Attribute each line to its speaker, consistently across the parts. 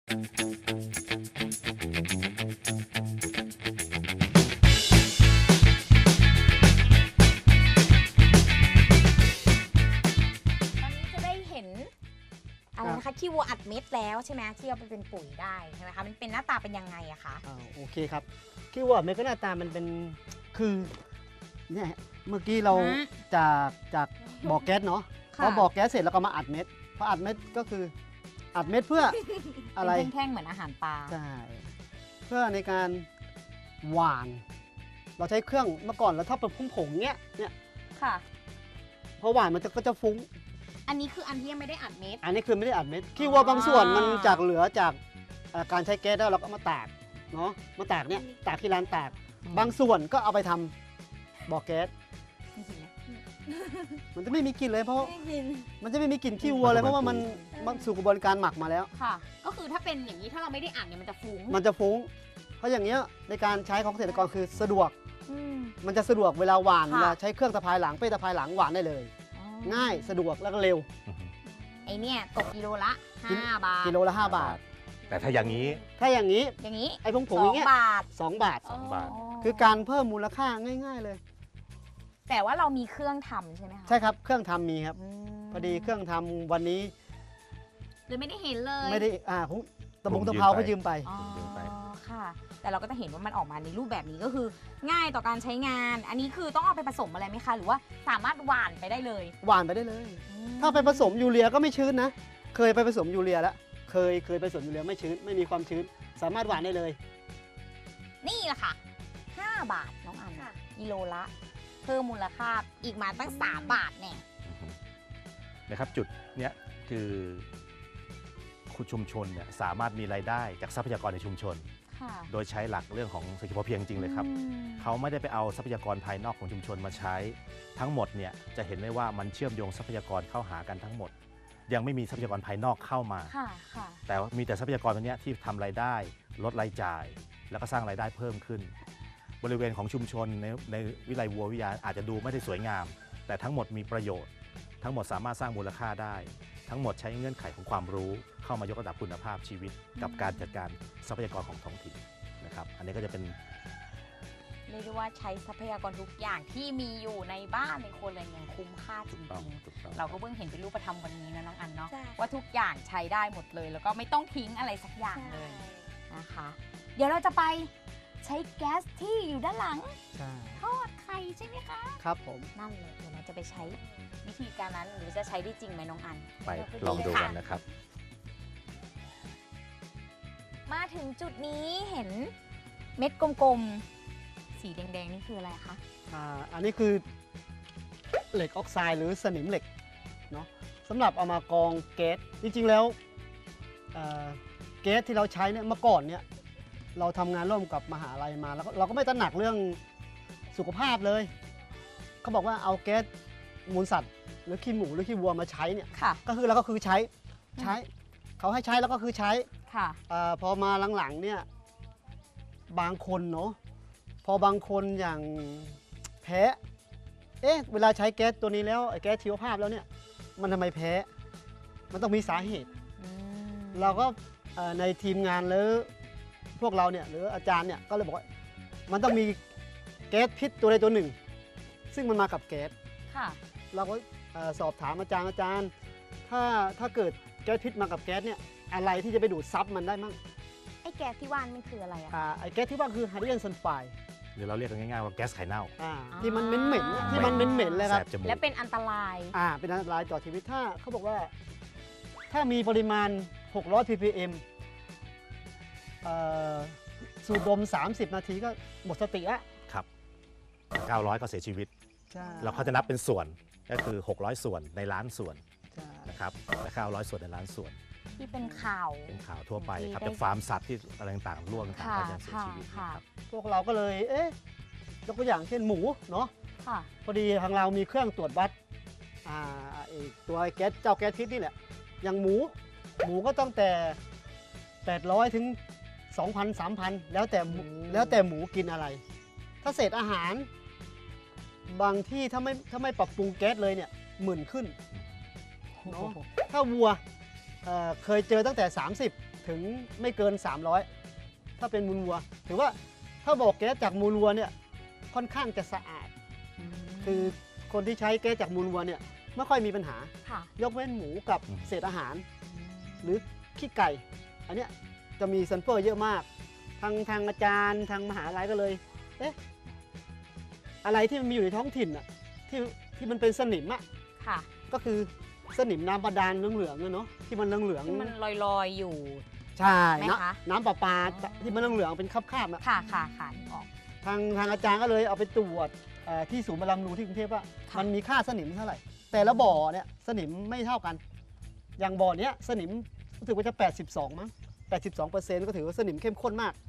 Speaker 1: จะได้เห็นอะไรนะคะขี้วัวอัดเม็ดแล้วใช่ไหมที่เอาไปเป็นปุ๋ยได้ใช่ไหมคะมันเป็นหน้าตาเป็นยังไงอะคะ
Speaker 2: โอเคครับขี้วัวอัดเม็ดก็หน้าตามันเป็นคือเนี่ยเมื่อกี้เราจากบ่อแก๊สเนาะพอบ่อแก๊สเสร็จแล้วก็มาอัดเม็ดพออัดเม็ดก็คืออัดเม็ดเพื่ออะไร
Speaker 1: เป็นแท่งๆเหมือนอาหารปลา
Speaker 2: ใช่เพื่อในการหวาน เราใช้เครื่องเมื่อก่อนเราถ้าเป็นผงๆเนี้ย
Speaker 1: ค่ะ
Speaker 2: พอหวานมันก็จะฟุ้ง
Speaker 1: อันนี้คืออันที่ยังไม่ได้อัดเม็ด
Speaker 2: อันนี้คือไม่ได้อัดเม็ดขี้วัวบางส่วนมันจากเหลือจากการใช้แก๊สแล้วเราก็มาตากเนาะมาตากเนี่ยตากที่ร้านตากบางส่วนก็เอาไปทำบ่อแก๊สมันจะไม่มีกลิ่นเลยเพราะมันจะไม่มีกลิ่นขี้วัวเลยเพราะว่ามันสู่กระบวนการหมักมาแล้ว
Speaker 1: ค่ะก็คือถ้าเป็นอย่างนี้ถ้าเราไม่ได้อัดเนี่ยมันจะฟุ้ง
Speaker 2: มันจะฟุ้งเพราะอย่างเงี้ยในการใช้ของเกษตรกรคือสะดวกมันจะสะดวกเวลาหวานเวลาใช้เครื่องตะพายหลังเป้ตะพายหลังหวานได้เลยง่ายสะดวกแล้วก็เร็ว
Speaker 1: ไอเนี่ยตกกิโลละ5 บาท
Speaker 2: กิโลละ5 บาท
Speaker 3: แต่ถ้าอย่างนี้
Speaker 2: ไอ้ผงอย่างเงี้ย2 บาทคือการเพิ่มมูลค่าง่ายๆเลย
Speaker 1: แต่ว่าเรามีเครื่องทำใช่ไหมคะ
Speaker 2: ใช่ครับเครื่องทำมีครับพอดีเครื่องทำวันนี้
Speaker 1: เลยไม่ได้เห็นเลย
Speaker 2: ไม่ได้ผมตะเภาก็ยืมไป
Speaker 1: ค่ะแต่เราก็จะเห็นว่ามันออกมาในรูปแบบนี้ก็คือง่ายต่อการใช้งานอันนี้คือต้องเอาไปผสมอะไรไหมคะหรือว่าสามารถหว่านไปได้เลย
Speaker 2: หว่านไปได้เลยถ้าไปผสมยูเรียก็ไม่ชื้นนะเคยไปผสมยูเรียแล้วเคยไปผสมยูเรียไม่ชื้นไม่มีความชื้นสามารถหว่านได้เลย
Speaker 1: นี่แหละค่ะ5 บาทน้องอันกิโลละเพิ่มมูลค่าอีกมาตั้ง3 บาทเนี่ย
Speaker 3: นะครับจุดเนี้ยคือคุณชุมชนเนี่ยสามารถมีรายได้จากทรัพยากรในชุมชนโดยใช้หลักเรื่องของเศรษฐกิจพอเพียงจริงเลยครับเขาไม่ได้ไปเอาทรัพยากรภายนอกของชุมชนมาใช้ทั้งหมดเนี่ยจะเห็นได้ว่ามันเชื่อมโยงทรัพยากรเข้าหากันทั้งหมดยังไม่มีทรัพยากรภายนอกเข้ามาแต่มีแต่ทรัพยากรตัวนี้ที่ทำรายได้ลดรายจ่ายแล้วก็สร้างรายได้เพิ่มขึ้นบริเวณของชุมชนในวิไลวัววิทยาอาจจะดูไม่ได้สวยงามแต่ทั้งหมดมีประโยชน์ทั้งหมดสามารถสร้างมูลค่าได้ทั้งหมดใช้เงื่อนไขของความรู้เข้ามายกระดับคุณภาพชีวิตกับการจัดการทรัพยากรของท้องถิ่นนะครับอันนี้ก็จะเป็น
Speaker 1: เรียกได้ว่าใช้ทรัพยากรทุกอย่างที่มีอยู่ในบ้านในคนเลยอย่างคุ้มค่าจริงๆเราก็เพิ่งเห็นเป็นรูปธรรมวันนี้นะน้องอันเนาะว่าทุกอย่างใช้ได้หมดเลยแล้วก็ไม่ต้องทิ้งอะไรสักอย่างเลยนะคะเดี๋ยวเราจะไปใช้แก๊สที่อยู่ด้านหลังทอดไข่ใช่ไหมคะ
Speaker 2: ครับผม
Speaker 1: นั่นเลยเดี๋ยวเราจะไปใช้วิธีการนั้นหรือจะใช้ได้จริงไหมน้องอัน
Speaker 3: ไปลองดูกันนะครับ
Speaker 1: มาถึงจุดนี้เห็นเม็ดกลมๆสีแดงๆนี่คืออะไรคะ
Speaker 2: อันนี้คือเหล็กออกไซด์หรือสนิมเหล็กเนาะสำหรับเอามากองแก๊สจริงๆแล้วแก๊สที่เราใช้เนี่ยเมื่อก่อนเนี่ยเราทำงานร่วมกับมหาลัยมาแล้วเราก็ไม่ตระหนักเรื่องสุขภาพเลยเขาบอกว่าเอาแก๊สมูลสัตว์หรือขี้หมูหรือขี้วัวมาใช้เนี่ยก็คือเราก็คือใช้เขาให้ใช้แล้วก็คือใช้พอมาหลังๆเนี่ยบางคนเนาะพอบางคนอย่างแพ้เวลาใช้แก๊สตัวนี้แล้วแก๊สชีวภาพแล้วเนี่ยมันทำไมแพ้มันต้องมีสาเหตุเราก็ในทีมงานหรือพวกเราเนี่ยหรืออาจารย์เนี่ยก็เลยบอกว่ามันต้องมีแก๊สพิษตัวใดตัวหนึ่งซึ่งมันมากับแก๊สเราก็สอบถามอาจารย์ถ้าเกิดแก๊สพิษมากับแก๊สเนี่ยอะไรที่จะไปดูดซับมันได้มั่ง
Speaker 1: ไอ้แก๊สที่ว่ามันคืออะไรอะ
Speaker 2: ไอ้แก๊สที่ว่าคือไฮโดรเจนซัลไฟด์
Speaker 3: หรือเราเรียกกันง่ายๆว่าแก๊สไข่เน่า
Speaker 2: ที่มันเหม็นที่มันเหม็นเลยครับ
Speaker 1: และเป็นอันตราย
Speaker 2: เป็นอันตรายต่อชีวิตถ้าเขาบอกว่าถ้ามีปริมาณ600 ppm สูดดม30 นาทีก็หมดสติแล้ว
Speaker 3: ครับ900ก็เสียชีวิตเราเขาจะนับเป็นส่วนก็คือ600ส่วนในล้านส่วนนะครับและ900ส่วนในล้านส่วน
Speaker 1: ที่เป็นข่าว
Speaker 3: ทั่วไปครับจากฟาร์มสัตว์ที่อะไรต่างๆร่วงต่างก็จะเสียชีวิตครับ
Speaker 2: พวกเราก็เลยยกตัวอย่างเช่นหมูเนาะพอดีทางเรามีเครื่องตรวจวัดตัวแก๊สเจ้าแก๊สพิษนี่แหละอย่างหมูก็ต้องแต่800ถึง2,000 3,000แล้วแต่หมูกินอะไรถ้าเศษอาหารบางที่ถ้าไม่ปรับปรุงแก๊สเลยเนี่ย10,000ขึ้นเนาะถ้าวัวเคยเจอตั้งแต่30 ถึงไม่เกิน 300 ถ้าเป็นมูลวัวถือว่าถ้าบอกแก๊สจากมูลวัวเนี่ยค่อนข้างจะสะอาด คือคนที่ใช้แก๊สจากมูลวัวเนี่ยไม่ค่อยมีปัญหา
Speaker 1: ค่ะ
Speaker 2: ยกเว้นหมูกับเศษอาหาร หรือขี้ไก่ อันเนี้ยจะมีซัลเฟอร์เยอะมาก ทางอาจารย์ทางมหาลัยก็เลยเอ๊ะอะไรที่มันมีอยู่ในท้องถิ่นอ่ะที่มันเป็นสนิมอ่ะ
Speaker 1: ค่ะ
Speaker 2: ก็คือสนิมน้ำบาดาลเหลืองๆเนาะที่มันเหลือง
Speaker 1: ที่มันลอยๆอยู่
Speaker 2: ใช่
Speaker 1: ไหม
Speaker 2: นะ
Speaker 1: คะ
Speaker 2: น้ำประปาที่มันเหลืองๆเป็นคราบๆอ่ะ
Speaker 1: ค่ะค่ะนึกออก
Speaker 2: ทางอาจารย์ก็เลยเอาไปตรวจที่ศูนย์บำรุงรูที่กรุงเทพว่า
Speaker 1: ค่ะ
Speaker 2: มันมีค่าสนิมเท่าไหร่ แต่ละบ่อเนี่ยสนิมไม่เท่ากัน อย่างบ่อเนี้ยสนิมรู้สึกว่าจะ 82 มั้ง 82%ก็ถือว่าสนิมเข้มข้นมาก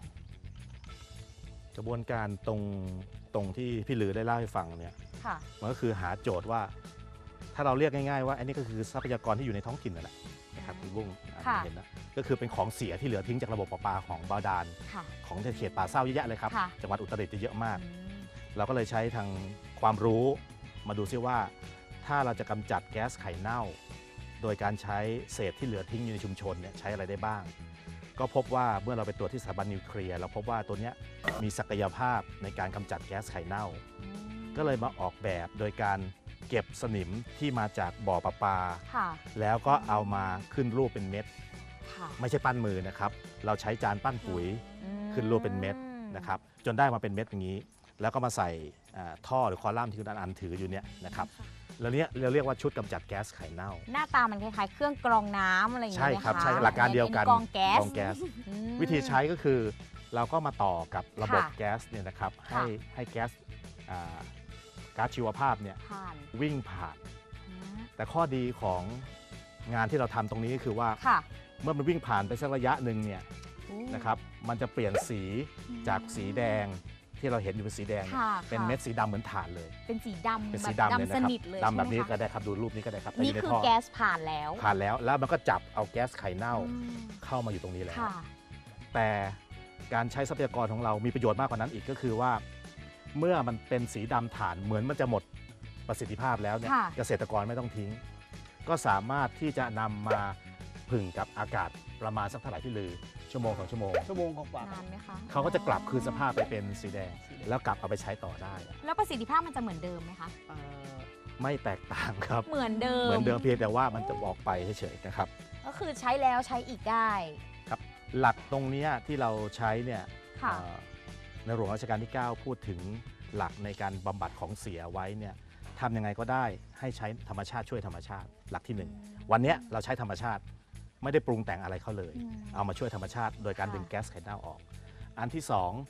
Speaker 3: กระบวนการตรงที่พี่ลือได้เล่าให้ฟังเนี่ย
Speaker 1: ค่ะ
Speaker 3: มันก็คือหาโจทย์ว่า ถ้าเราเรียกง่ายๆว่าอันนี้ก็คือทรัพยากรที่อยู่ในท้องถิ่นนั่นแหละนะครับคุณบุ้ง
Speaker 1: ค่ะ
Speaker 3: เห็นนะก็คือเป็นของเสียที่เหลือทิ้งจากระบบประปาของบาดาล
Speaker 1: ค่ะ
Speaker 3: ของเขตป่าเศร้าเยอะแยะเลยครับ
Speaker 1: ค่ะ
Speaker 3: จังหวัดอุตรดิตถ์จะเยอะมาก
Speaker 1: อืม
Speaker 3: เราก็เลยใช้ทางความรู้มาดูซิว่า ถ้าเราจะกำจัดแก๊สไข่เน่า โดยการใช้เศษที่เหลือทิ้งอยู่ในชุมชนเนี่ยใช้อะไรได้บ้าง ก็พบว่าเมื่อเราไปตรวจที่สถาบันนิวเคลียร์เราพบว่าตัวเนี้ยมีศักยภาพในการกำจัดแก๊สไข่เน่า ก็เลยมาออกแบบโดยการเก็บสนิมที่มาจากบ่อประปา
Speaker 1: ค่ะ
Speaker 3: แล้วก็เอามาขึ้นรูปเป็นเม็ด
Speaker 1: ค่ะ
Speaker 3: ไม่ใช่ปั้นมือนะครับเราใช้จานปั้นปุ๋ย
Speaker 1: อืม
Speaker 3: ขึ้นรูปเป็นเม็ดนะครับจนได้มาเป็นเม็ดอย่างนี้ แล้วก็มาใส่ท่อหรือคอลัมน์ที่คุณอันถืออยู่เนี่ยนะครับแล้วเนี้ยเราเรียกว่าชุดกำจัดแก๊สไข่เน่า
Speaker 1: หน้าตามันคล้ายๆ เครื่องกรองน้ำอะไรอย่าง
Speaker 3: ใช่
Speaker 1: เงี้ย
Speaker 3: ครับ
Speaker 1: ไหมะ
Speaker 3: ใช่หลักการเดียวกัน
Speaker 1: กรองแก๊ส อืม
Speaker 3: วิธีใช้ก็คือเราก็มาต่อกับระบบ
Speaker 1: ค่ะ
Speaker 3: แก๊สเนี่ยนะครับ
Speaker 1: ค่ะ
Speaker 3: ให้แก๊สก๊าซชีวภาพเนี่ย
Speaker 1: ผ่าน
Speaker 3: วิ่งผ่าน
Speaker 1: อืม
Speaker 3: แต่ข้อดีของงานที่เราทำตรงนี้ก็คือว่า
Speaker 1: ค่ะ
Speaker 3: เมื่อมันวิ่งผ่านไปสักระยะหนึ่งเนี่ย
Speaker 1: อู้
Speaker 3: นะครับมันจะเปลี่ยนสีจากสีแดงที่เราเห็นอยู่เป็นสีแดงเนี่ย
Speaker 1: ค่ะ
Speaker 3: เป็น
Speaker 1: ค่ะ
Speaker 3: เม็ดสีดำเหมือนถ่านเลย
Speaker 1: เป็นสีดำ
Speaker 3: เป็น
Speaker 1: แบ
Speaker 3: สี
Speaker 1: บ
Speaker 3: ดำเลย
Speaker 1: ดำ
Speaker 3: นะ
Speaker 1: ส
Speaker 3: ครับ
Speaker 1: นิทเลย
Speaker 3: ดำแบบนี้
Speaker 1: ใช่ไหม
Speaker 3: ก็
Speaker 1: คะ
Speaker 3: ได้ครับดูรูปนี้ก็ได้ครับ
Speaker 1: นี่
Speaker 3: แต่ยู่
Speaker 1: คือ
Speaker 3: ใท่
Speaker 1: แก๊สผ่านแล้ว
Speaker 3: ผ่านแล้วแล้วมันก็จับเอาแก๊สไข่เน่า
Speaker 1: อืม
Speaker 3: เข้ามาอยู่ตรงนี้แล้ว
Speaker 1: ค่ะ
Speaker 3: แต่การใช้ทรัพยากรของเรามีประโยชน์มากกว่านั้นอีกก็คือว่า เมื่อมันเป็นสีดำถ่านเหมือนมันจะหมดประสิทธิภาพแล้วเนี่ย
Speaker 1: ค่ะ
Speaker 3: เกษตรกรไม่ต้องทิ้ง ก็สามารถที่จะนำมาผึ่งกับอากาศประมาณสักเท่าไหร่ที่ลือชั่วโมง2 ชั่วโมง
Speaker 2: ชั่วโมงกว่า
Speaker 1: นานไหมคะ
Speaker 3: เขาก็จะกลับคืนสภาพไปเป็นสีแดง แล้วกลับเอาไปใช้ต่อได้
Speaker 1: แล้วประสิทธิภาพมันจะเหมือนเดิมไหมคะ
Speaker 3: ไม่แตกต่างครับ
Speaker 1: เหมือนเดิม
Speaker 3: เหมือนเดิมเพียงแต่ว่ามันจะออกไปเฉยๆนะครับ
Speaker 1: ก็คือใช้แล้วใช้อีกได้
Speaker 3: ครับหลักตรงเนี้ยที่เราใช้เนี่ย
Speaker 1: ค่ะ
Speaker 3: ในหลวงรัชกาลที่ 9 พูดถึงหลักในการบำบัดของเสียไว้เนี่ยทำยังไงก็ได้ให้ใช้ธรรมชาติช่วยธรรมชาติ หลักที่ 1 วันเนี้ยเราใช้ธรรมชาติไม่ได้ปรุงแต่งอะไรเขาเลย
Speaker 1: อืม
Speaker 3: เอามาช่วยธรรมชาติ โดยการ
Speaker 1: ค่ะ
Speaker 3: ดึงแก๊สไข่เน่าออก อันที่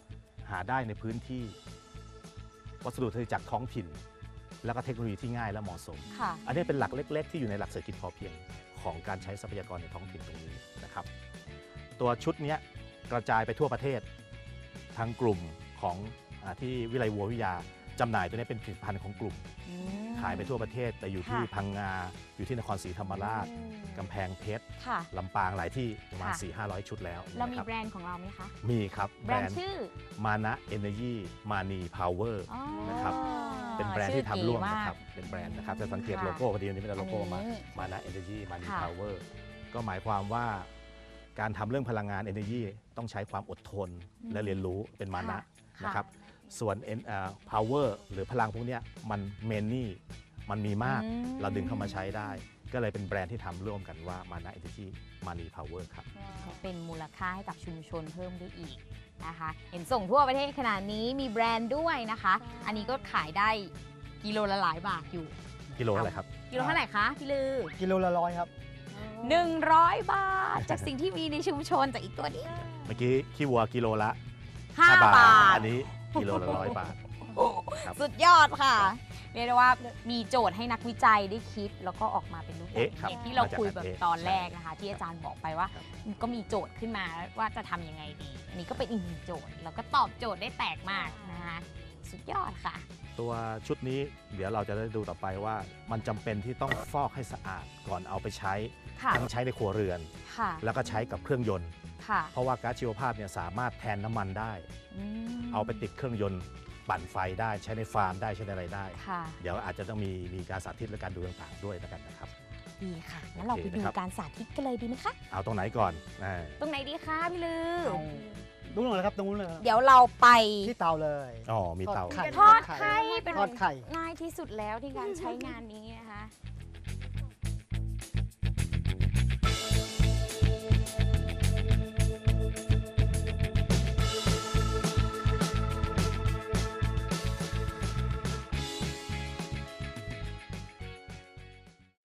Speaker 3: 2 หาได้ในพื้นที่ วัสดุจากท้องถิ่น แล้วก็เทคโนโลยีที่ง่ายและเหมาะสม
Speaker 1: ค่ะ
Speaker 3: อันนี้เป็นหลักเล็ก ๆ ที่อยู่ในหลักเศรษฐกิจพอเพียงของการใช้ทรัพยากรในท้องถิ่นตรงนี้นะครับ ตัวชุดเนี้ยกระจายไปทั่วประเทศทางกลุ่มของที่วิไลวัววิทยาจำหน่ายตัวนี้เป็นผลิตภัณฑ์ของกลุ่ม
Speaker 1: อืม
Speaker 3: ขายไปทั่วประเทศ แต่อยู่ที่
Speaker 1: ค่ะ
Speaker 3: พังงาอยู่ที่นครศรีธรรมราช
Speaker 1: อืม
Speaker 3: กำแพงเพชร
Speaker 1: ค่ะ
Speaker 3: ลำปางหลายที่ประมาณ
Speaker 1: ค่ะ
Speaker 3: 4-500 ชุดแล้ว
Speaker 1: เรามี
Speaker 3: นะครับ
Speaker 1: แบรนด์ของเราไหมคะ
Speaker 3: มีครับ
Speaker 1: แบรนด์ชื่อ
Speaker 3: มานะเอเนจีมานีพาวเวอร์
Speaker 1: อ๋อ
Speaker 3: นะครับ เป็นแบรนด์ที่ทำร่วมนะครับ
Speaker 1: ชื่อเก๋มาก
Speaker 3: เป็นแบรนด์นะครับจะสังเกต
Speaker 1: ค่ะ
Speaker 3: โลโก้พอดีวันนี้เป็นโลโก้มา
Speaker 1: อันนี้
Speaker 3: มานะเอเนจีมานี
Speaker 1: ค่ะ
Speaker 3: พาวเวอร์ก็หมายความว่าการทำเรื่องพลังงาน Energy ต้องใช้ความอดทนและเรียนรู้เป็นมานะ
Speaker 1: ค่ะ
Speaker 3: นะครับ ส่วนpower หรือพลังพวกเนี้ยมันเมนนี่มันมีมาก
Speaker 1: อืม
Speaker 3: เราดึงเข้ามาใช้ได้ ก็เลยเป็นแบรนด์ที่ทำร่วมกันว่ามานะ Energy มานี Power ครับ
Speaker 1: ก็เป็นมูลค่าให้กับชุมชนเพิ่มได้อีกนะคะ เห็นส่งทั่วประเทศขนาดนี้มีแบรนด์ด้วยนะคะ อันนี้ก็ขายได้กิโลละหลายบาทอยู่
Speaker 3: กิโลอะไรครับ
Speaker 1: กิโลเท่าไหร่คะพี่ลือ
Speaker 2: กิโลละ100 ครับ
Speaker 1: 100 บาท จากสิ่งที่มีในชุมชนจากอีกตัวนี้
Speaker 3: เมื่อกี้ขี้วัวกิโลละ
Speaker 1: 5 บาท
Speaker 3: อันนี้กิโลละ100 บาทครับ
Speaker 1: สุดยอดค่ะ เรียกได้ว่ามีโจทย์ให้นักวิจัยได้คิด แล้วก็ออกมาเป็นรูปแบบ
Speaker 3: เอ๊ะครับ
Speaker 1: อย่างที่เราคุยแบบ
Speaker 3: มาจาก
Speaker 1: ตอนแรกนะคะ ที่อาจารย์บอกไปว่า
Speaker 3: ครับ
Speaker 1: ก็มีโจทย์ขึ้นมาว่าจะทำยังไงดี อันนี้ก็เป็นอีกหนึ่งโจทย์ แล้วก็ตอบโจทย์ได้แตกมากนะคะสุดยอดค่ะ
Speaker 3: ตัวชุดนี้เดี๋ยวเราจะได้ดูต่อไปว่ามันจำเป็นที่ต้องฟอกให้สะอาดก่อนเอาไปใช้
Speaker 1: ค่ะ
Speaker 3: ทั้งใช้ในครัวเรือน
Speaker 1: ค่ะ
Speaker 3: แล้วก็ใช้กับเครื่องยนต์
Speaker 1: ค่ะ
Speaker 3: เพราะว่าก๊าซชีวภาพเนี่ยสามารถแทนน้ำมันได้
Speaker 1: ม
Speaker 3: เอาไปติดเครื่องยนต์ปั่นไฟได้ใช้ในฟาร์มได้ใช้ในอะไรได้
Speaker 1: ค่ะ
Speaker 3: เดี๋ยวอาจจะต้องมีการสาธิตและการดูต่างๆด้วยแล้วกันนะครับ
Speaker 1: ดีค่ะงั้นเราไปดูการสาธิตกันเลยดีไหมคะ
Speaker 3: เอาตรงไหนก่อนา
Speaker 1: ตรงไหนดีคะพี่ลือ
Speaker 2: เอาดูหน่อยครับตรงนู้นเลยครับ
Speaker 1: เดี๋ยวเราไป
Speaker 2: ที่เตาเลย
Speaker 3: อ๋อมีเตา
Speaker 2: ทอดไข่
Speaker 1: ทอดไข่เป็น
Speaker 2: ทอดไข่
Speaker 1: ง่ายที่สุดแล้วที่การใช้งานนี้นะคะ